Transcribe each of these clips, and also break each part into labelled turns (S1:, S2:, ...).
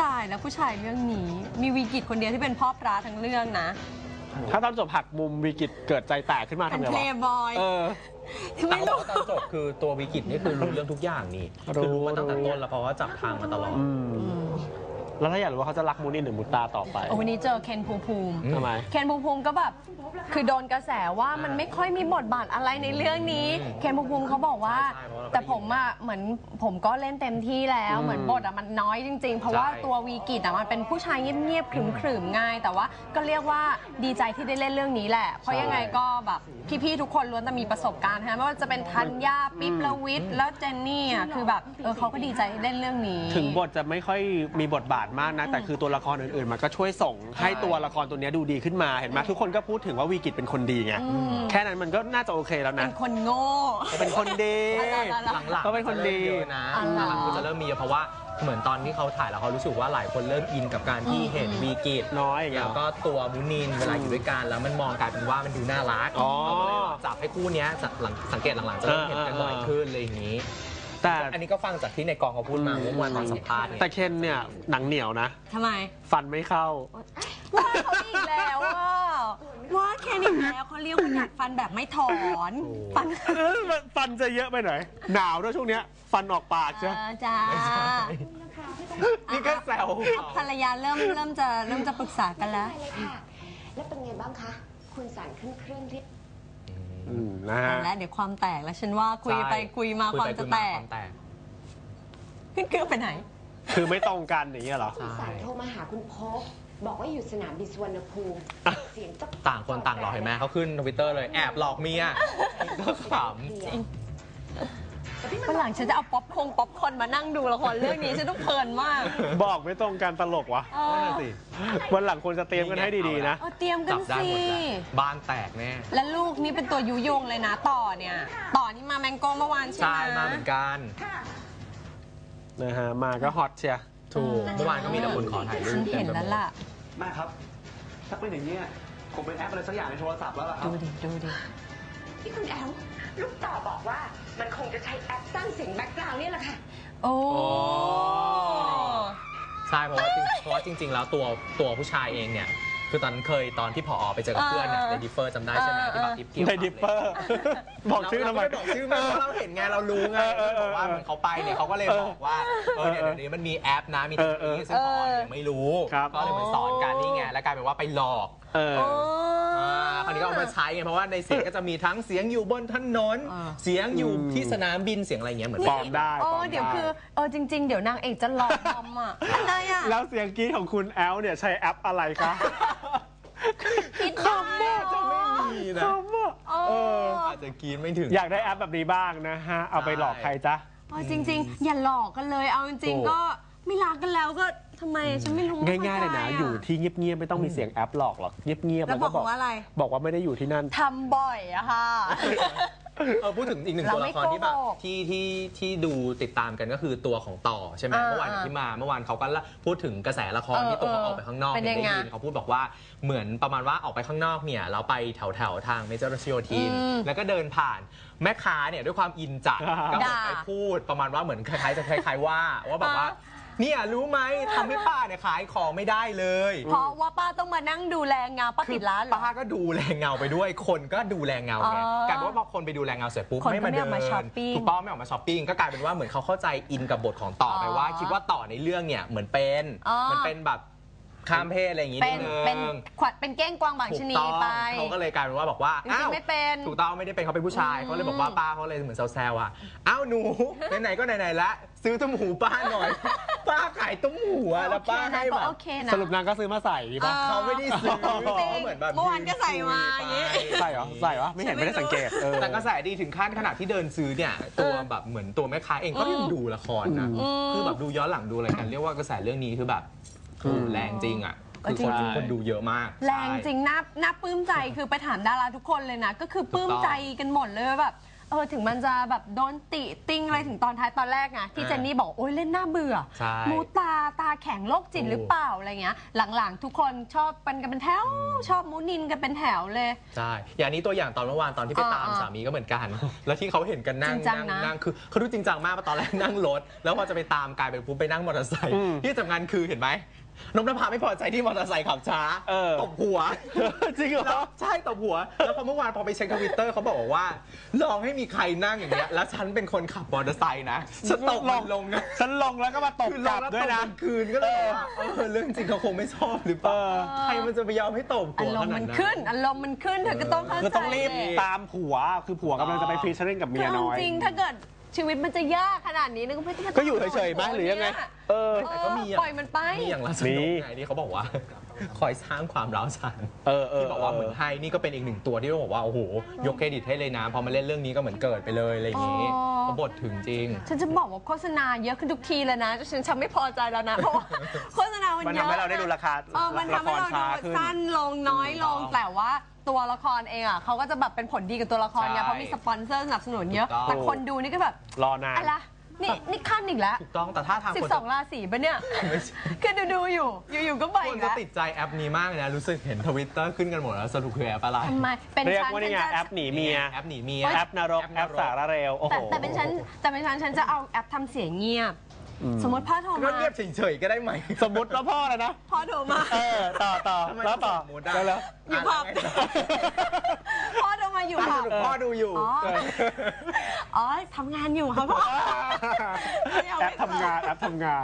S1: ายแล้วผู้ชายเรื่องนี้มีวีกิตคนเดียวที่เป็นพ่อพระทั้งเรื่องนะ
S2: ถ้าตอนจบหักมุมวีกิตเกิดใจแตกขึ้นมาทำไงวะ
S1: เป็นเพลย์บอย
S3: ไม่รู้ตอนจบคือตัววีกิตนี่คือรู้เรื่องทุกอย่างนี่คือรู้มาตั้งแต่ต้นแล้วเพราะว่าจับทางมาตลอด
S2: แล้วถ้าอยากรู้ว่าเขาจะรักมูนินหรือมูตาต่อไป
S1: วันนี้เจอเคนภูมิ
S2: ทำไม
S1: เคนภูมิก็แบบคือโดนกระแสว่ามันไม่ค่อยมีบทบาทอะไรในเรื่องนี้เคนภูมิเขาบอกว่าแต่ผมอะเหมือนผมก็เล่นเต็มที่แล้วเหมือนบทอะมันน้อยจริงๆเพราะว่าตัววีกิตอะมันเป็นผู้ชายเงียบๆขรึมๆง่ายแต่ว่าก็เรียกว่าดีใจที่ได้เล่นเรื่องนี้แหละเพราะยังไงก็แบบพี่ๆทุกคนล้วนแต่มีประสบการณ์นะไม่ว่าจะเป็นธัญญาปิ๊บละวิทย์แล้วเจนนี่อะคือแบบเขาก็ดีใจเล่นเรื่องนี้
S2: ถึงบทจะไม่ค่อยมีบทบาทมากนะแต่คือตัวละครอื่นๆมันก็ช่วยส่งให้ตัวละครตัวนี้ดูดีขึ้นมาเห็นไหมทุกคนก็พูดถึงว่าวีกิตเป็นคนดีไงแค่นั้นมันก็น่าจะโอเคแล้วนะ
S1: เป็นคนโง่
S2: เป็นคนดี
S3: หลังๆ
S2: ก็เป็นคนดี
S3: นะหลังๆก็จะเริ่มมีเพราะว่าเหมือนตอนที่เขาถ่ายแล้วเขารู้สึกว่าหลายคนเริ่มอินกับการที่เห็นวีกิต
S2: น้อย
S3: แล้วก็ตัวมูนินเวลาอยู่ด้วยกันแล้วมันมองกลายเป็นว่ามันดูน่ารักเขาก็เลยจับให้คู่นี้สังเกตหลังๆจะเริ่มเห็นกันบ่อยขึ้นเลยอย่างนี้แต่อันนี้ก็ฟังจากที่ในกองเขาพูดมาเมื่อวันตอนสัมภาษณ์
S2: แต่เคนเนี่ยหนังเหนียวนะ
S1: ทำไม
S2: ฟันไม่เข้า
S1: ว่าเขาอีกแล้วว่าเคนอีกแล้วเขาเรียกว่าหนักฟันแบบไม่ถอน
S2: ฟันจะเยอะไปหน่อยหนาวด้วยช่วงเนี้ยฟันออกปากใช่
S1: จ้า
S3: นี่ก็แซว
S1: ภรรยาเริ่มจะปรึกษากันแล้ว
S4: แล้วเป็นไงบ้างคะคุณสารขึ้นเครื่องที่
S2: นะฮะ
S1: แล้วเดี๋ยวความแตกแล้วฉันว่าคุยไปคุยมาความจะแตกขึ้นเครื่องไปไหน
S2: คือไม่ตรงกันอย่างเงี้ยเหรอ
S4: คุณสารโทรมาหาคุณพกบอกว่าอยู่สนามบินสุวรรณภูมิเสียง
S3: ต่างคนต่างหลอกเห็นไหมเขาขึ้นทวิตเตอร์เลยแอบหลอกเมียก็ขำ
S1: วันหลังฉันจะเอาป๊อปคอร์นมานั่งดูละครเรื่องนี้ฉันต้องเพลินมาก
S2: บอกไม่ตรงกันตลกวะนั่นสิวันหลังควรจะเตรียมกันให้ดีๆนะ
S1: เตรียมกันสิ
S3: บ้านแตกแน่
S1: และลูกนี่เป็นตัวยุยงเลยนะต่อนี่มาแมงโก้เมื่อวานใช่ไหม
S3: ใช่มาเหมือนกัน
S2: นะฮะมาก็ฮอตเชีย
S3: ถูกเมื่อวานก็มีแต่คนขอถ่ายรูป
S1: เห็นแล้วล่ะ
S5: แม่ครับถ้าเป็นอย่างนี้คงเป็นแอปอะไรสักอย่างในโทรศัพท์แล้วล่ะครับ
S1: ดูดิ
S4: ที่คุณแอลลูกต่อบอกว่ามันคงจะใช้แอปสร้างเสียงแบ็คกราวด์นี่แหละค่ะ
S1: โอ้
S3: ใช่เพราะว่าจริงๆแล้วตัวผู้ชายเองเนี่ยคือตอนที่ผอไปเจอกับเพื่อนเนี่ยในดิฟเฟอร์จำได้ใช่ไหมที่แบบ
S2: ในดิฟเฟอร์บอกชื่อทำไม
S3: บอกชื่อมาเราเห็นไงเรารู้ไงบอกว่าเหมือนเขาไปเนี่ยเขาก็เลยบอกว่าเนี่ยเดี๋ยวนี้มันมีแอปนะมีตัวนี้ซึ่งผอเนี่ยไม่รู้ก็เลยเหมือนสอนกันนี่ไงแล้วกลายเป็นว่าไปหลอกคราวนี้ก็เอามาใช้ไงเพราะว่าในเสียงก็จะมีทั้งเสียงอยู่บนถนนเสียงอยู่ที่สนามบินเสียงอะไรเงี้ยเหมือน
S2: ปลอมได้
S1: เดี๋ยวคือจริงๆเดี๋ยวนางเอกจะหลอกทำอะไร
S2: แล้วเสียงกรี๊ดของคุณแอลเนี่ยใช้แอปอะไรคะ
S1: คำว่า
S3: จะไม่มีนะอาจจะกรี๊ดไม่ถึง
S2: อยากได้แอปแบบนี้บ้างนะฮะเอาไปหลอกใครจ๊ะ
S1: จริงๆอย่าหลอกกันเลยเอาจริงๆก็ไม่รักกันแล้วก็ทำไมฉันไม่รู้
S2: ง่ายๆเลยนะอยู่ที่เงียบๆไม่ต้องมีเสียงแอปหลอกหรอกเงียบๆ
S1: แล้วบอกว่าอะไร
S2: บอกว่าไม่ได้อยู่ที่นั่น
S1: ทำบ่อยอะค่ะ
S3: พูดถึงอีกหนึ่งตัวละครที่แบบที่ดูติดตามกันก็คือตัวของต่อใช่ไหมเมื่อวานที่มาเมื่อวานเขาก็พูดถึงกระแสละครที่ตัวเขาออกไปข้างนอกได้ยินเขาพูดบอกว่าเหมือนประมาณว่าออกไปข้างนอกเนี่ยเราไปแถวทางเมเจอร์รัชโยธินแล้วก็เดินผ่านแม่ค้าเนี่ยด้วยความอินจัดก็ไปพูดประมาณว่าเหมือนคล้ายๆว่าแบบว่าเนี่ยรู้ไหมทำให้ป้าเนี่ยขายของไม่ได้เลย
S1: เพราะว่าป้าต้องมานั่งดูแลเงาป้าปิดร้าน
S3: ป้าก็ดูแลเงาไปด้วยคนก็ดูแลเงาไงกลายเป็นว่าพอคนไปดูแลเงาเสร็จปุ๊บไม่มาเดินถูกป้าไม่ออกมาช้อปปิ้งก็กลายเป็นว่าเหมือนเขาเข้าใจอินกับบทของต่อไปว่าคิดว่าต่อในเรื่องเนี่ยเหมือนเป็นแบบข้ามเพศอะไรอย่างงี้นิดนึง
S1: เป็นเก้งกวางบางชนีไป
S3: เขาก็เลยกลายเป็นว่าบอกว่า
S1: อ้าวไม่เป็น
S3: ถูกต้องไม่ได้เป็นเขาเป็นผู้ชายเขาเลยบอกว่าป้าเขาเลยเหมือนแซวๆอ่ะอ้าวหนูไหนๆก็ไหนๆละซื้อตุ้มหูป้าหน่อยป้าขายตุ้มหูแล้วป้าให้แบบ
S2: สรุปนางก็ซื้อมาใส่ป่ะ
S3: เขาไม่ได้ซื้อเหมือนแบบ
S1: เมื่อวานก็ใส่มาอย่างงี้
S2: ใส่เหรอใส่วะไม่เห็นไม่ได้สังเกต
S3: แต่ก็ใส่ดีถึงขั้นขนาดที่เดินซื้อเนี่ยตัวแบบเหมือนตัวแม่ค้าเองก็ยังดูละครนะคือแบบดูย้อนหลังดูอะไรกันเรียกว่ากระแสเรื่องนี้คือแบบแรงจริงอ่ะคือคนดูเยอะมาก
S1: แรงจริงน่าปลื้มใจคือไปถามดาราทุกคนเลยนะก็คือปลื้มใจกันหมดเลยแบบถึงมันจะแบบโดนติติ้งอะไรถึงตอนท้ายตอนแรกไงที่เจนนี่บอกโอ๊ยเล่นหน้าเบื่อมูตาตาแข็งโรคจิตหรือเปล่าอะไรเงี้ยหลังๆทุกคนชอบกันเป็นแถวชอบมูนินกันเป็นแถวเลย
S3: ใช่อย่างนี้ตัวอย่างตอนเมื่อวานตอนที่ไปตามสามีก็เหมือนกันแล้วที่เขาเห็นกันนั่งคือเขาดูจริงจังมากตอนแรกนั่งรถแล้วพอจะไปตามกลายเป็นปุ๊บไปนั่งมอเตอร์ไซค์ที่สำคัญคือเห็นไหมนพนภาไม่พอใจที่มอเตอร์ไซค์ขับช้าตบหัว
S2: จริงเหรอ
S3: ใช่ตบหัวแล้วพอเมื่อวานพอไปเช็คทวิตเตอร์เขาบอกว่าลองให้มีใครนั่งอย่างเงี้ยแล้วฉันเป็นคนขับมอเตอร์ไซค์นะฉันตกลงนะ
S2: ฉันลงแล้วก็มาตบกลับด้วยนะ
S3: คืนก็เลยว่าเรื่องจริงเขาคงไม่ชอบหรือเปล่าใครมันจะไปยอมให้ตบหัวขนาดนั้นอารมณ์มัน
S1: ขึ้นเธอก็ต้องเข้าใจ
S2: คือต้องรีบตามผัวคือผัวกำลังจะไปฟีเจอริ่งกับเมียน้อย
S1: จริงถ้าเกิดชีวิตมันจะยากขนาดนี้นึกว่า
S2: ก็อยู่เฉยๆไหมหรือยังไง
S3: แต่ก็มี
S1: ปล่อยมันไป
S3: มีอย่างล่าสุดไงที่เขาบอกว่าคอยสร้างความร้าวฉานที่บอกว่าเหมือนไฮนี่ก็เป็นอีกหนึ่งตัวที่ต้องบอกว่าโอ้โหยกเครดิตให้เลยนะพอมาเล่นเรื่องนี้ก็เหมือนเกิดไปเลยอะไรอย่างนี้เขาบทถึงจริง
S1: ฉันจะบอกว่าโฆษณาเยอะขึ้นทุกทีเลยนะฉันไม่พอใจแล้วนะเพราะว่าโฆษณามันเยอะ
S2: มันทำให้เราได้ดูราคา
S1: มันทำให้เราดูสั้นลงน้อยลงแต่ว่าตัวละครเองอ่ะเขาก็จะแบบเป็นผลดีกับตัวละครไงเพราะมีสปอนเซอร์สนับสนุนเยอะแต่คนดูนี่ก็แบบ
S2: รอนาน
S1: อะไรนี่ขั้นอีกแล้ว
S3: ถูกต้องแต่ถ้าทาง
S1: 12 ราศีปะเนี่ยคือดูอยู่ก็ไปอีกแล้ว
S3: คนจะติดใจแอปนี้มากเลยนะรู้สึกเห็นทวิตเตอร์ขึ้นกันหมดแล้วสรุปคือแอปอะไร
S1: ทำไม
S2: เรียกว่านี่ไงแอปหนีเมียแอปนรกแอปสารเร็ว
S1: แต่เป็นฉันจะเอาแอปทำเสียงเงียบสมมติพ่อโทรมา
S3: เงียบเฉยๆก็ได้ไหม
S2: สมมติว่าพ่ออะไรนะ
S1: พ่อโทรมา
S2: ต่อแล้วต่อ
S3: แล้ว
S1: อยู่ผับพ่อโทรมาอยู่ผับ
S3: พ่อดูอยู่
S1: อ๋อทำงานอยู่ครับพ่อ
S2: แอปทำงานแล้ว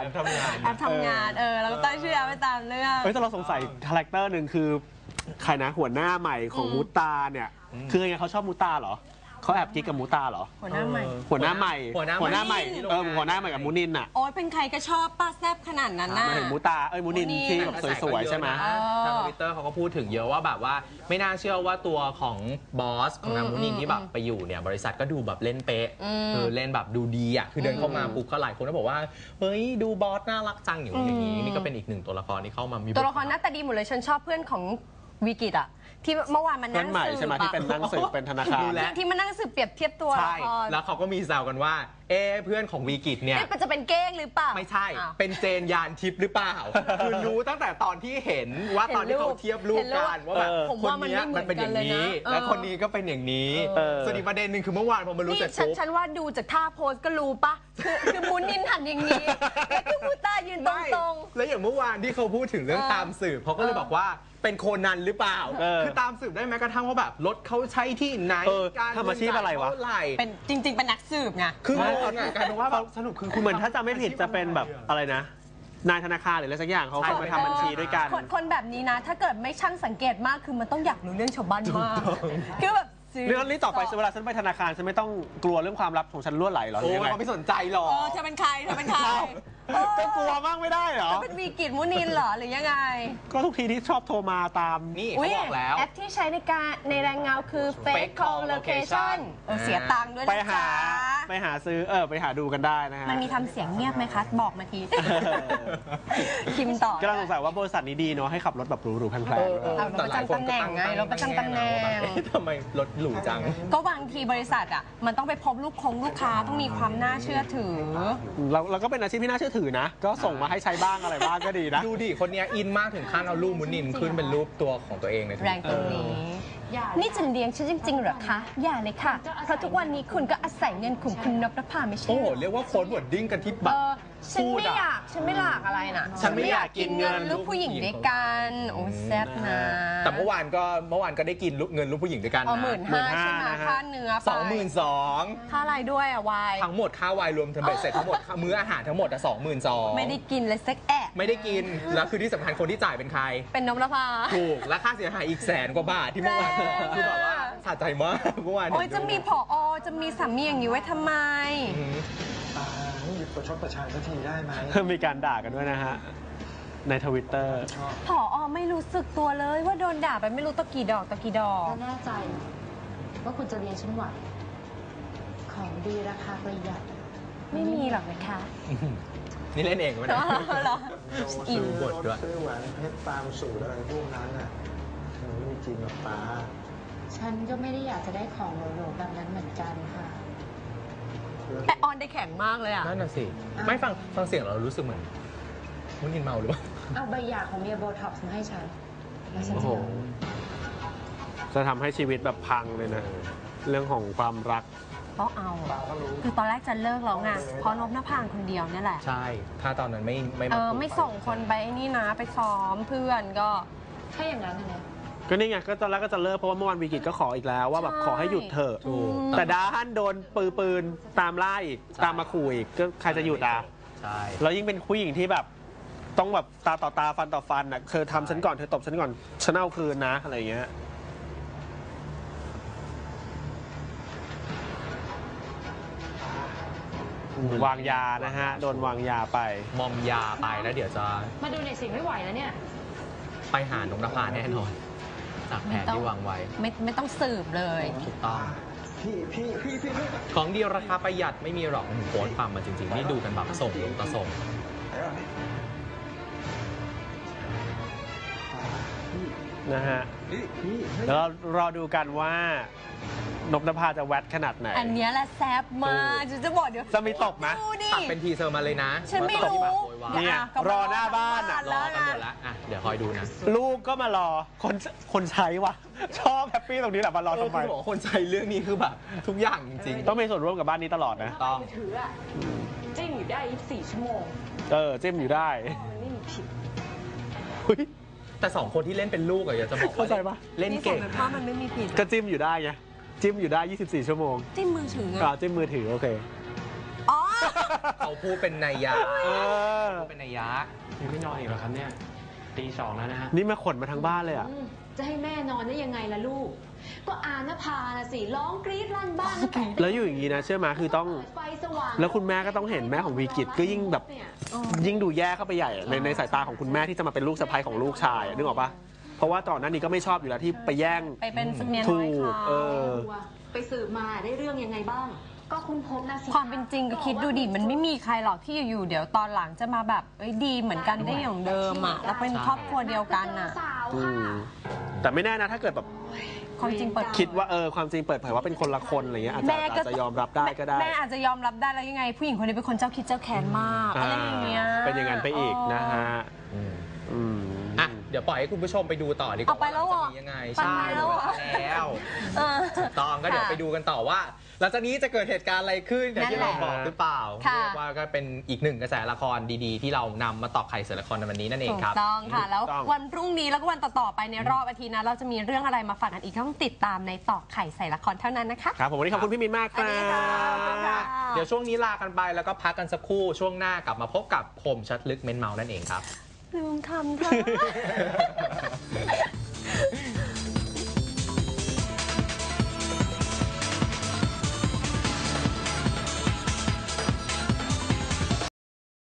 S1: ก็ตั้งชื่อแอปไปตามเรื่อง
S2: แต่เราสงสัยคาแรคเตอร์หนึ่งคือใครนะหัวหน้าใหม่ของมูตาเนี่ยคือไงเขาชอบมูตาเหรอเขาแอบกิ๊กกับมูตาเหรอ
S1: หัวหน้าใหม่
S2: หัวหน้าใหม่กับมูนินอ่ะ
S1: โอ้ยเป็นใครก็ชอบป้าแซบขนาดนั้นน่ะ
S2: มาถึงมูตามูนินที่แบบสวยๆใช่ไหม
S3: ทางทวิตเตอร์เขาก็พูดถึงเยอะว่าแบบว่าไม่น่าเชื่อว่าตัวของบอสของนางมูนินที่แบบไปอยู่เนี่ยบริษัทก็ดูแบบเล่นเป๊ะเล่นแบบดูดีอ่ะคือเดินเข้ามาปุ๊บก็หลายคนก็บอกว่าเฮ้ยดูบอสน่ารักจังอย่างนี้นี่ก็เป็นอีกหนึ่งตัวละครที่เข้ามามี
S1: ตัวละครหน้าตาดีหมดเลยฉันชอบเพื่อนของวิกิตอ่ะที่เมื่อวานมันนั่งสืบ
S2: ใช่ไหมที่เป็นนั่งสืบเป็นธนาคาร
S1: ที่มันนั่งสืบเปรียบเทียบตัวละคร
S3: แล้วเขาก็มีแซวกันว่าเพื่อนของวีกิตเนี่ย
S1: มันจะเป็นเก้งหรือเปล่า
S3: ไม่ใช่เป็นเจนยานทิพย์หรือเปล่าคือรู้ตั้งแต่ตอนที่เห็นว่าตอนที่เขาเทียบรูปกันว่าแบบคนนี้มันเป็นอย่างนี้แล้วคนนี้ก็เป็นอย่างนี้ส่วนอีกประเด็นหนึ่งคือเมื่อวานพอมารู้เสร็จปุ๊บ
S1: ฉันว่าดูจากท่าโพสก็รู้ปะคือมูนินหันอย่างนี้แล้วคือมูตายืนตรง
S3: ๆแล้วอย่างเมื่อวานที่เขาพูดถึงเรื่องตามสืบเขาก็เลยบอกว่าเป็นโคนันหรือเปล่าคือตามสืบได้แม้กระทั่งว่าแบบรถเขาใช้ที่ไหน
S2: การทำอาชีพอะไรวะ
S1: เป็นจริงๆเป็นนักสืบไง
S3: คือการว่า
S2: สนุกคือเหมือนถ้าจำไม่ผิดจะเป็นแบบอะไรนะนายธนาคารหรืออะไรสักอย่างเขามาทำบัญชีด้วยกัน
S1: คนแบบนี้นะถ้าเกิดไม่ช่างสังเกตมากคือมันต้องอยากรู้เรื่องชาวบ้านมากคือแบบ
S2: เรื่องนี้ต่อไปเวลาฉันไปธนาคารฉันไม่ต้องกลัวเรื่องความลับของฉันรั่วไหลหรอ
S3: โอ้เขาไม่สนใจหรอก
S1: เธอเป็นใคร
S2: ก็กลัวมากไม่ได้เหรอ
S1: เป็นวีกิตมูนินเหรอหรือยังไง
S2: ก็ทุกทีที่ชอบโทรมาตาม
S3: นี่เขาบอกแล้ว
S1: แอปที่ใช้ในแรงเงาคือ Fake Call Location เสียตังค์ด้วยนะ
S2: ไปหาซื้อไปหาดูกันได้นะฮะ
S1: มันมีทำเสียงเงียบไหมคะบอกมาทีคิมต่อ
S2: ก็เราสงสัยว่าบริษัทนี้ดีเนาะให้ขับรถแบบหรูๆแพงๆ
S1: เราประจำตำแหน่งไงเราประจำตำแหน่ง
S3: ทำไมรถหรูจัง
S1: ก็บางทีบริษัทอ่ะมันต้องไปพบลูกค้าต้องมีความน่าเชื่อถือ
S2: เราก็เป็นอาชีพที่น่าเชื่อถือนะก็ส่งมาให้ใช้บ้างอะไรบ้างก็ดีนะ
S3: ดูดิคนนี้อินมากถึงขั้นเอารูปมูนินขึ้นเป็นรูปตัวของตัวเองใน
S1: แรงตรงนี้นี่จะเลี้ยงฉันจริงๆเหรอคะอย่าเลยค่ะเพราะทุกวันนี้คุณก็อาศัยเงินของคุณนพนภาไม่ใช่
S3: โอ้โหเรียกว่าโค้ดวอร์ดดิ้งกันที่แบบ
S1: ฉันไม่อยากอะไรนะ
S3: ฉันไม่อยากกินเงิน
S1: ลูกผู้หญิงด้วยกันโอ้แซ่บนะ
S3: แต่เมื่อวานก็ได้กินเงินลูกผู้หญิงด้วยกัน
S1: นะ15,000ใช่ไหมค่าเนื้อไป
S3: 22,000
S1: ค่าอะไรด้วยอะวาย
S3: ทั้งหมดค่าวายรวมทั้งเสร็จทั้งหมดมื้ออาหารทั้งหมด22,000
S1: ไม่ได้กินเลยสักแอะ
S3: ไม่ได้กินแล้วคือที่สำคัญคนที่จ่ายเป็นใคร
S1: เป็นนพนภา
S3: ถูกและค่าเสียหายอีก100,000 กว่าบาทที่เมื่อวานคือแบบว่าสะใจมากเมื่อวาน
S1: โอ้ยจะมีผอจะมีสามีอย่างนี้ไว้ทำไม
S5: หยุดประชดประชันสักทีได้ไหม
S2: มีการด่ากันด้วยนะฮะในทวิตเตอร์
S1: ผอไม่รู้สึกตัวเลยว่าโดนด่าไปไม่รู้ตะกี่ดอก
S6: แน่ใจว่าคุณจะเลี้ยงฉันไหวของดีราคาประหยัด
S1: ไม่มีหรอกนะคะ
S3: นี่เล่นเองไหมเนี่ย
S1: อิน
S5: บทด้วยซื้อแหวนเพชรตามสูตรอะไรพวกนั้นน่ะมันไม่จริงหรอกป้า
S6: ฉันก็ไม่ได้อยากจะได้ของโหลๆแบบนั้นเหมือนกันค่ะ
S1: แต่ออนได้แข็งมากเลยอ่ะ
S3: นั่นน่ะสิไม่ฟังเสียงเรารู้สึกเหมือนคุณนินเมาหรือเปล่า
S6: เอาใบหย่าของเมียโบท็อกซ์มาให้ฉันแล้วฉัน
S2: โอ้
S6: จะ
S2: โห
S6: ยอม
S2: จะทำให้ชีวิตแบบพังเลยนะ เรื่องของความรัก
S1: ต้องเอาคือตอนแรกจะเลิกแล้วไงเพราะนพนภาคนเดียวเนี่ยแหละ
S3: ใช่ถ้าตอนนั้นไม่มา
S1: ไม่ส่งคนไปนี่นะไปซ้อมเพื่อนก็
S6: ถ้าอย่างนั้นนะเนี่ย
S2: ก็นี่ไงก็ตอนแรกก็จะเลิกเพราะว่าเมื่อวานวีกิจก็ขออีกแล้วว่าแบบ
S1: ใช่
S2: ขอให้หยุดเถอะ
S3: ถูก
S2: แต่ด้านโดนปืนตามล่าอีกตามมาขู่อีกก็ใครจะหยุดอ่ะ
S3: ใช่
S2: แล้วยิ่งเป็นผู้หญิงที่แบบต้องแบบตาต่อตาฟันต่อฟันอ่ะเธอทำฉันก่อนเธอตบฉันก่อนฉันเอาคืนนะอะไรอย่างเงี้ยวางยานะฮะโดนวางยาไป
S3: มอมยาไปแล้วเดี๋ยวจะ
S6: มาดูในสิ่งไม่ไหวแล้วเนี่ย
S3: ไปหานกนภาแน่นอนจากแผนที่วางไว้
S1: ไม่ต้องสืบเลย
S3: ถูกต้องของดีราคาประหยัดไม่มีหรอกโพสต์ฟังมาจริงๆ นี่ดูกันแบบส่งต่อส่ง
S2: นะฮะแล้วเรารอดูกันว่านพนภาจะแวดขนาดไหน
S1: อันเนี้ยแหละแซ่บมากจะบอกเดี๋ยว
S2: จะมีตบไหม
S1: ดูดิ
S3: ตัดเป็นทีเซอร์มาเลยนะ
S1: ฉันไม่รู้
S3: ว่าตบโวยวาย
S2: เนี่ย
S1: ก็
S2: รอหน้าบ้านอะ
S3: รอกันหมดแล้วอ่ะเดี๋ยวคอยดูนะ
S2: ลูกก็มารอคนใช้ว่ะ ชอบแฮปปี้ตรงนี้แหละมารอทำไม
S3: คือบอกว่าคนใช้เรื่องนี้คือแบบทุกอย่างจริงๆ
S2: ต้องมีส่วนร่วมกับบ้านนี้ตลอดนะ
S3: ต้อง
S6: ถืออะจิ้งอยู่ได้24 ชั่วโมง
S2: จิ้มอยู่ได้
S6: มันไม่มีผิด
S2: เฮ้ย
S3: แต่สองคนที่เล่นเป็นลูกอะอยากจะบอกว่า
S2: เข้าใจปะ
S3: เล่นเก่ง
S1: นี่ส่งไปพ่อมันไม่มีผิด
S2: ก็จิ้มอยู่ได้ไงจิ้มอยู่ได้ 24 ชั่วโมง
S1: จิ้มมือถือไง
S2: จิ้มมือถือโอเค
S1: อ๋อ
S3: เขาพูดเป็นนัยยะ
S2: เออ
S3: พูดเป็นนัยยะ
S5: ยังไม่นอนอีกเหรอครับเนี่ยตีสองแล้วนะฮะ
S2: นี่มาขนมาทั้งบ้านเลยอ่ะ
S6: จะให้แม่นอนได้ยังไงล่ะลูก ก็อานภาน่ะสิ ร้องกรี๊ดลั่นบ้านตั้งแต่
S2: แล้วอยู่อย่างนี้นะเชื่อไหมคือต้อง
S6: เปิดไฟสว่าง
S2: แล้วคุณแม่ก็ต้องเห็นแม่ของวีกิจก็ยิ่งแบบ
S6: เนี่ย
S2: ยิ่งดูแย่เข้าไปใหญ่อะในสายตาของคุณแม่ที่จะมาเป็นลูกสะใภ้ของลูกชายอะนึกออกปะเพราะว่าตอนนั้นนี้ก็ไม่ชอบอยู่แล้วที่ไปแย่ง
S1: ไปเป็นเมีย
S2: ถู
S1: น้อย
S2: ก
S1: เขา
S6: ไปสืบมาได้เรื่องยังไงบ้าง ก็คุณพบนะสิ
S1: ความเป็นจริงก็คิดดูดิมันไม่มีใครหรอกที่อยู่ๆเดี๋ยวตอนหลังจะมาแบบดีเหมือนกันได้อย่างเดิมอ่ะแล้วเป็นครอบครัวเดียวกันอ่ะ
S6: สาว
S2: อื
S6: ค่ะ
S2: มแต่ไม่แน่นะถ้าเกิดแบบ
S1: ความจริงเปิด
S2: คิดว่าความจริงเปิดเผยว่าเป็นคนละคนอะไรเงี้ยอาจจะยอมรับได้ก็ได้
S1: แม่อาจจะยอมรับได้แล้วยังไง ผู้หญิงคนนี้เป็นคนเจ้าคิดเจ้าแค้นมากอะไรอย่างเงี้ย
S2: เป็นอย่างนั้นไปอีกนะฮะ อืม
S3: อ่ะเดี๋ยวปล่อยให้คุณผู้ชมไปดูต่อดีกว่า
S1: เอาไปแล้วเหรอ
S3: าจะมียังไง
S1: ไป
S3: ใช่
S1: แล้วเหรอ
S3: แล้ว
S1: เออ
S3: ถูกต้องก็เดี๋ยว
S1: ค่ะ
S3: ไปดูกันต่อว่าหลังจากนี้จะเกิดเหตุการณ์อะไรขึ้นอย่างที่
S1: นั่
S3: เรา
S1: นแหละ
S3: บอกหรือเปล่า
S1: ค่ะ
S3: เรียกว่าก็เป็นอีกหนึ่งกระแสละครดีๆ ที่เรานำมาตอกไข่เสือละครในวันนี้นั่นเอง
S1: ถูก
S3: ครับ
S1: ต้องค่ะ แล้ว
S2: ถูกต้อง
S1: วันพรุ่งนี้แล้วก็วันต่อๆไปในรอบอาทิตย์นะเราจะมีเรื่องอะไรมาฝากกันอีกต้องติดตามในตอกไข่ใส่ละครเท่านั้นนะคะ
S2: ครับผมวันนี้ขอบคุณพี่มินมากค
S1: สวั
S2: รั
S1: สดีค่ะขอบคุณค่ะ
S2: บ
S3: เดี๋ยวช่วงนี้ลากันไปแล้วก็พักกันสักครู่ช่วงหน้ากลับมาพบกับคมชัดลึกเม้นเมานั่นเองครับ
S1: ลืมทำเธอ